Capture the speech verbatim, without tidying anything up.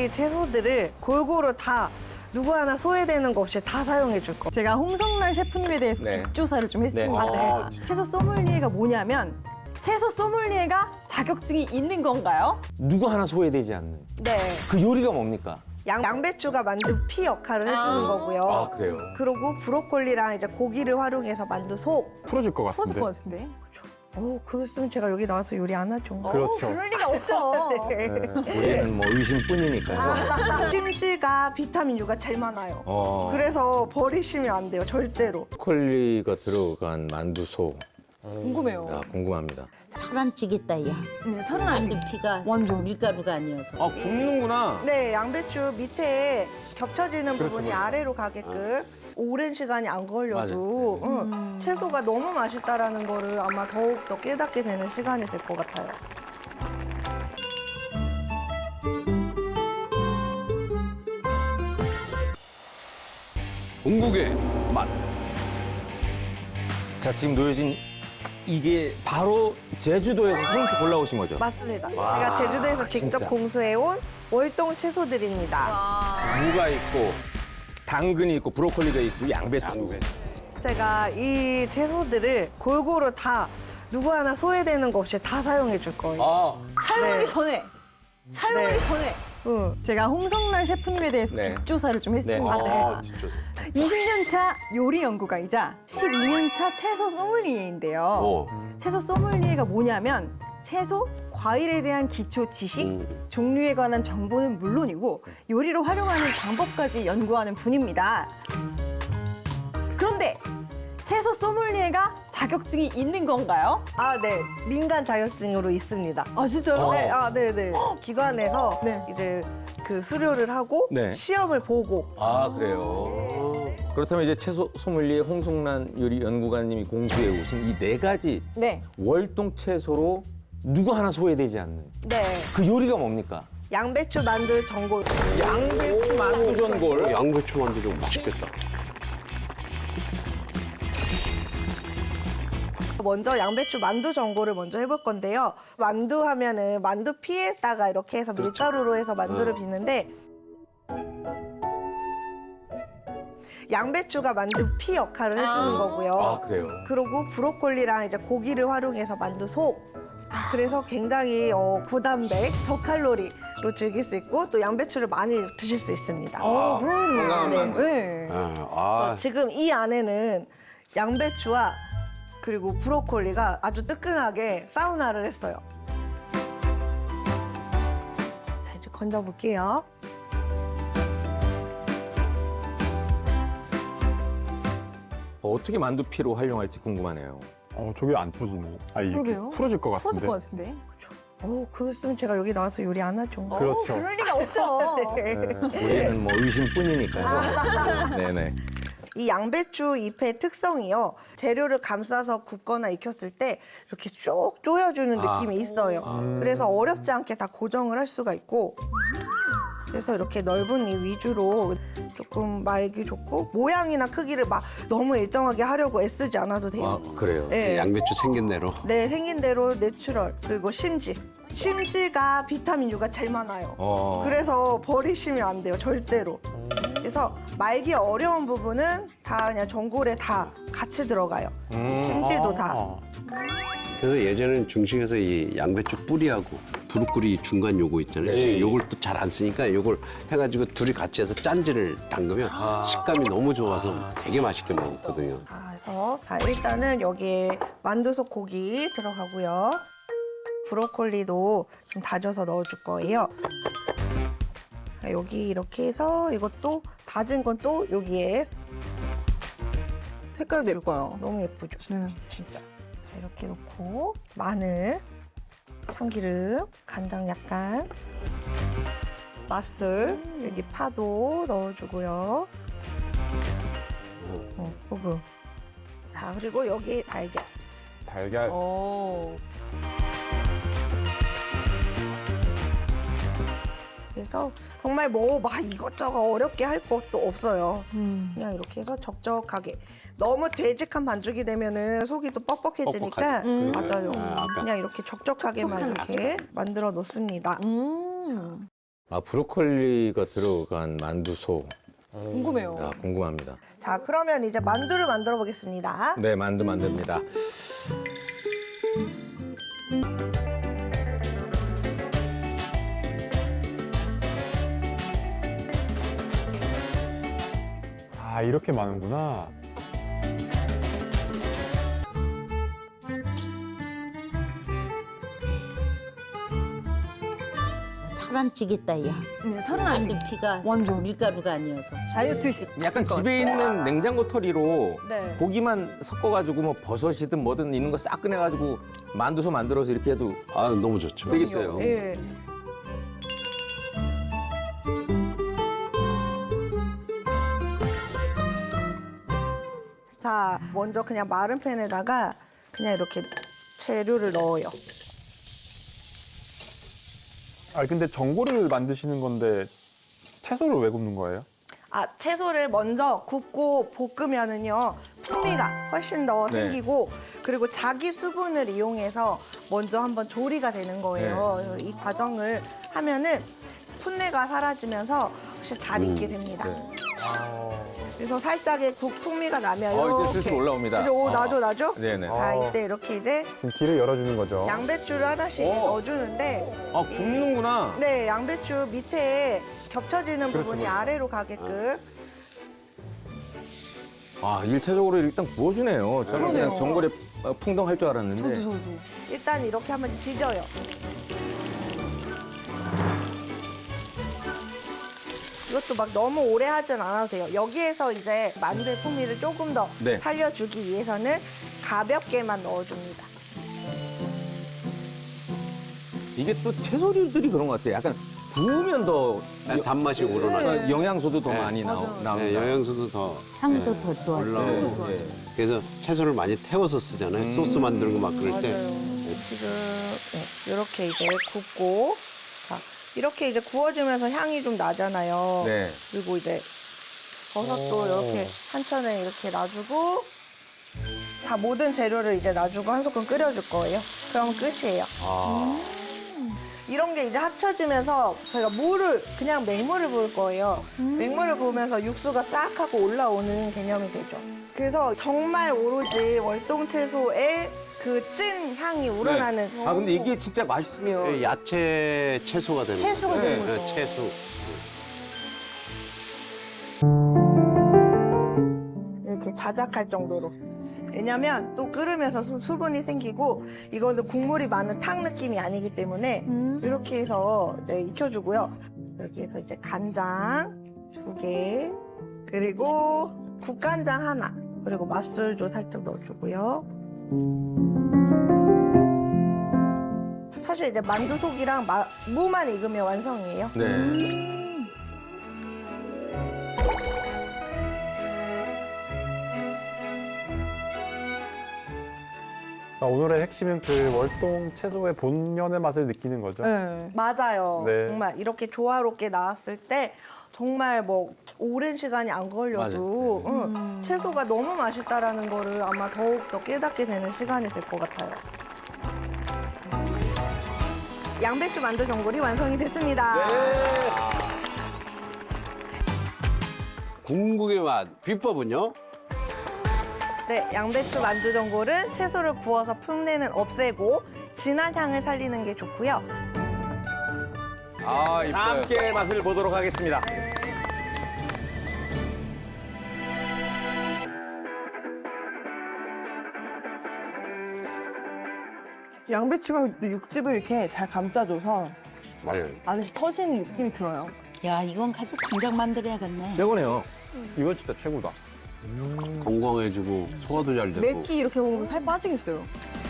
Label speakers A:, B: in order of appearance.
A: 이 채소들을 골고루 다 누구 하나 소외되는 거 없이 다 사용해 줄 거.
B: 제가 홍성란 셰프님에 대해서
C: 네.
B: 뒷조사를 좀 했습니다.
C: 네.
A: 아,
B: 채소 소믈리에가 뭐냐면 채소 소믈리에가 자격증이 있는 건가요?
C: 누구 하나 소외되지 않는
A: 네.
C: 그 요리가 뭡니까?
A: 양, 양배추가 만두 피 역할을 해주는
B: 아.
A: 거고요.
C: 아, 그래요?
A: 그리고 브로콜리랑 이제 고기를 활용해서 만두 속.
D: 풀어질 것
B: 풀어줄
D: 같은데.
B: 것 같은데.
A: 오, 그랬으면 제가 여기 나와서 요리 안 하죠.
D: 그렇죠.
B: 그럴 리가 없죠.
A: 네.
C: 우리는 뭐 의심뿐이니까요.
A: 심지가 비타민 U가 제일 많아요.
C: 어,
A: 그래서 버리시면 안 돼요, 절대로.
C: 브로콜리가 들어간 만두소.
B: 궁금해요.
C: 야, 궁금합니다.
E: 살 안 찌겠다, 야.
B: 네, 살은 안 돼.
E: 만두피가
B: 완전.
E: 밀가루가 아니어서.
C: 아, 굽는구나.
A: 네, 양배추 밑에 겹쳐지는
D: 그렇죠,
A: 부분이
D: 그렇죠.
A: 아래로 가게끔 오랜 시간이 안 걸려도 응, 채소가 너무 맛있다라는 거를 아마 더욱 더 깨닫게 되는 시간이 될 것 같아요.
F: 중국의 맛.
C: 자, 지금 놓여진 이게 바로 제주도에서 손수 골라오신 거죠?
A: 맞습니다.
C: 와,
A: 제가 제주도에서 직접
C: 진짜.
A: 공수해온 월동 채소들입니다.
C: 무가 있고 당근이 있고 브로콜리가 있고 양배추.
F: 양배추.
A: 제가 이 채소들을 골고루 다 누구 하나 소외되는 거 없이 다 사용해 줄 거예요.
C: 아,
B: 사용하기
A: 네.
B: 전에. 사용하기
A: 네.
B: 전에.
A: 응.
B: 제가 홍성란 셰프님에 대해서
C: 네.
B: 뒷조사를 좀 했습니다.
A: 아, 네.
F: 아, 진짜.
B: 이십 년 차 요리 연구가이자 십이 년 차 채소 소믈리에인데요.
F: 어.
B: 채소 소믈리에가 뭐냐면 채소, 과일에 대한 기초 지식,
F: 음.
B: 종류에 관한 정보는 물론이고 요리로 활용하는 방법까지 연구하는 분입니다. 그런데 채소 소믈리에가 자격증이 있는 건가요?
A: 아, 네. 민간 자격증으로 있습니다.
B: 아 진짜요?
A: 네, 아, 네, 네. 기관에서
B: 네.
A: 이제 그 수료를 하고
C: 네.
A: 시험을 보고
C: 아, 그래요. 그렇다면 이제 채소 소믈리에 홍성란 요리 연구가님이 공수해 오신 이 네 가지
B: 네.
C: 월동 채소로 누구 하나 소외되지 않는
A: 네.
C: 그 요리가 뭡니까?
A: 양배추 만두 전골.
C: 양배추 만두 전골.
F: 양배추 만두도 맛있겠다.
A: 먼저 양배추 만두 전골을 먼저 해볼 건데요. 만두 하면은 만두 피에다가 이렇게 해서 밀가루로 해서 만두를
F: 어.
A: 빚는데 양배추가 만두 피 역할을 해주는 거고요.
C: 아, 그래요.
A: 그리고 브로콜리랑 이제 고기를 활용해서 만두 속. 그래서 굉장히 어, 고단백, 저칼로리로 즐길 수 있고 또 양배추를 많이 드실 수 있습니다.
B: 어, 그러네요.
C: 건강한
A: 네.
C: 만두.
B: 네.
F: 아, 아,
A: 지금 이 안에는 양배추와 그리고 브로콜리가 아주 뜨끈하게 사우나를 했어요. 자, 이제 건져볼게요.
C: 어떻게 만두피로 활용할지 궁금하네요.
D: 어, 저게 안 터지네. 아, 이게
B: 그러게요.
D: 풀어질 것 같은데.
B: 풀어줄 것 같은데.
A: 오, 그랬으면 제가 여기 나와서 요리 안 하죠.
D: 그렇죠.
B: 그럴 리가 없죠.
A: 네.
C: 우리는 뭐 의심뿐이니까요. 네네.
A: 이 양배추 잎의 특성이요. 재료를 감싸서 굽거나 익혔을 때 이렇게 쭉 조여주는
C: 아.
A: 느낌이 있어요. 그래서 어렵지 않게 다 고정을 할 수가 있고 그래서 이렇게 넓은 이 위주로 조금 말기 좋고 모양이나 크기를 막 너무 일정하게 하려고 애쓰지 않아도 돼요.
C: 아, 그래요.
A: 네.
F: 양배추 생긴 대로.
A: 네, 생긴 대로 내추럴 그리고 심지. 심지가 비타민 U가 제일 많아요.
C: 어.
A: 그래서 버리시면 안 돼요, 절대로. 그래서 말기 어려운 부분은 다 그냥 전골에 다 같이 들어가요. 심지도 다.
D: 아,
F: 그래서 예전에는 중식에서 이 양배추 뿌리하고 브로콜리 중간 요거 있잖아요.
C: 네.
F: 요걸 또 잘 안 쓰니까 요걸 해가지고 둘이 같이 해서 짠지를 담그면 식감이 너무 좋아서 되게 맛있게 먹었거든요.
A: 자, 그래서 자, 일단은 여기에 만두속 고기 들어가고요. 브로콜리도 좀 다져서 넣어줄 거예요. 자, 여기 이렇게 해서 이것도 다진 건 또 여기에
B: 색깔도 예뻐요.
A: 너무 예쁘죠?
B: 네.
A: 진짜. 자, 이렇게 놓고 마늘, 참기름, 간장 약간, 맛술, 여기 파도 넣어주고요. 어, 소금. 자, 그리고 여기 달걀.
D: 달걀.
B: 오.
A: 그래서 정말 뭐 막 이것저것 어렵게 할 것도 없어요.
B: 음.
A: 그냥 이렇게 해서 적적하게. 너무 되직한 반죽이 되면은 속이 또 뻑뻑해지니까
F: 뻑뻑하지.
B: 음.
A: 맞아요.
F: 아, 아까.
A: 그냥 이렇게 적적하게만 이렇게 만들어 놓습니다.
B: 음.
C: 아, 브로콜리가 들어간 만두소.
B: 궁금해요.
C: 야, 궁금합니다.
A: 자, 그러면 이제 만두를 만들어 보겠습니다.
C: 네, 만두 만듭니다.
D: 아, 이렇게 많은구나.
E: 살 안 찌겠다, 야.
B: 네, 살은 안 돼.
E: 만두피가
B: 완전.
E: 밀가루가 아니어서.
B: 다이어트식.
C: 약간 집에 있는 냉장고 털이로
A: 네.
C: 고기만 섞어가지고 뭐 버섯이든 뭐든 있는 거 싹 꺼내가지고 만두소 만들어서 이렇게 해도
F: 아, 너무 좋죠.
C: 되겠어요.
A: 예. 자, 먼저 그냥 마른 팬에다가 그냥 이렇게 재료를 넣어요.
D: 아, 근데 전골을 만드시는 건데 채소를 왜 굽는 거예요?
A: 아, 채소를 먼저 굽고 볶으면은요, 풍미가 훨씬 더
C: 네.
A: 생기고, 그리고 자기 수분을 이용해서 먼저 한번 조리가 되는 거예요.
C: 네.
A: 그래서 이 과정을 하면은 풋내가 사라지면서 훨씬 잘 익게 됩니다.
C: 네.
A: 그래서 살짝의 국 풍미가 나면
C: 어, 이제
A: 이렇게.
C: 슬슬 올라옵니다.
A: 이제 오,
C: 어.
A: 나죠, 나죠?
C: 네네.
A: 자, 이때 이렇게 이제
D: 지금 길을 열어주는 거죠.
A: 양배추를 하나씩
C: 오.
A: 넣어주는데,
C: 아, 굽는구나.
A: 네, 양배추 밑에 겹쳐지는
D: 그렇죠,
A: 부분이
D: 그렇죠.
A: 아래로 가게끔.
C: 아, 일차적으로 일단 구워주네요. 저는 그냥
B: 그러네요.
C: 전골에 풍덩할 줄 알았는데.
B: 저도, 저도.
A: 일단 이렇게 한번 지져요. 이것도 막 너무 오래 하진 않아도 돼요. 여기에서 이제 만두의 풍미를 조금 더
C: 네.
A: 살려주기 위해서는 가볍게만 넣어줍니다.
C: 이게 또 채소류들이 그런 것 같아요. 약간 구우면 더
F: 네, 단맛이 우러나요.
C: 어, 영양소도 더
F: 네.
C: 많이 나오, 나옵니다.
F: 네, 영양소도 더
E: 향도 더 좋아.
F: 올라오고.
C: 네, 네.
F: 그래서 채소를 많이 태워서 쓰잖아요.
C: 음.
F: 소스 만드는 거 막 그럴 때.
A: 지금 네, 이렇게 이제 굽고, 자, 이렇게 이제 구워지면서 향이 좀 나잖아요.
C: 네.
A: 그리고 이제 버섯도
D: 오.
A: 이렇게 한천에 이렇게 놔주고, 다 모든 재료를 이제 놔주고 한 소끔 끓여줄 거예요. 그럼 끝이에요.
C: 아,
A: 이런 게 이제 합쳐지면서 저희가 물을 그냥 맹물을 부을 거예요. 맹물을 부으면서 육수가 싹 하고 올라오는 개념이 되죠. 그래서 정말 오로지 월동채소의 그 찐 향이 우러나는.
C: 아, 근데 이게 진짜 맛있으면
F: 네, 야채 채소가 되는
B: 채소가
F: 거죠.
B: 되는
F: 네,
B: 거죠.
F: 채소.
A: 이렇게 자작할 정도로. 왜냐면 또 끓으면서 수- 수분이 생기고 이거는 국물이 많은 탕 느낌이 아니기 때문에 이렇게 해서 네, 익혀주고요. 여기 해서 이제 간장 두 개, 그리고 국간장 하나, 그리고 맛술도 살짝 넣어주고요. 사실 이제 만두 속이랑 마- 무만 익으면 완성이에요.
C: 네.
D: 아, 오늘의 핵심은 그 월동 채소의 본연의 맛을 느끼는 거죠.
B: 네.
A: 맞아요.
D: 네.
A: 정말 이렇게 조화롭게 나왔을 때 정말 뭐 오랜 시간이 안 걸려도 응, 채소가 너무 맛있다라는 거를 아마 더욱 더 깨닫게 되는 시간이 될 것 같아요. 양배추 만두 전골이 완성이 됐습니다.
F: 궁극의 맛. 비법은요?
A: 네, 양배추 만두 전골은 채소를 구워서 풋내는 없애고 진한 향을 살리는 게 좋고요.
F: 아,
C: 다
F: 이뻐요.
C: 함께 맛을 보도록 하겠습니다.
B: 양배추가 육즙을 이렇게 잘 감싸줘서
F: 맞아요.
B: 안에서 터지는 느낌이 들어요.
E: 야, 이건 가서 당장 만들어야겠네.
C: 최고네요.
D: 이거 진짜 최고다.
F: 건강해지고 소화도 잘 되고.
B: 맵기 이렇게 먹으면 살 빠지겠어요.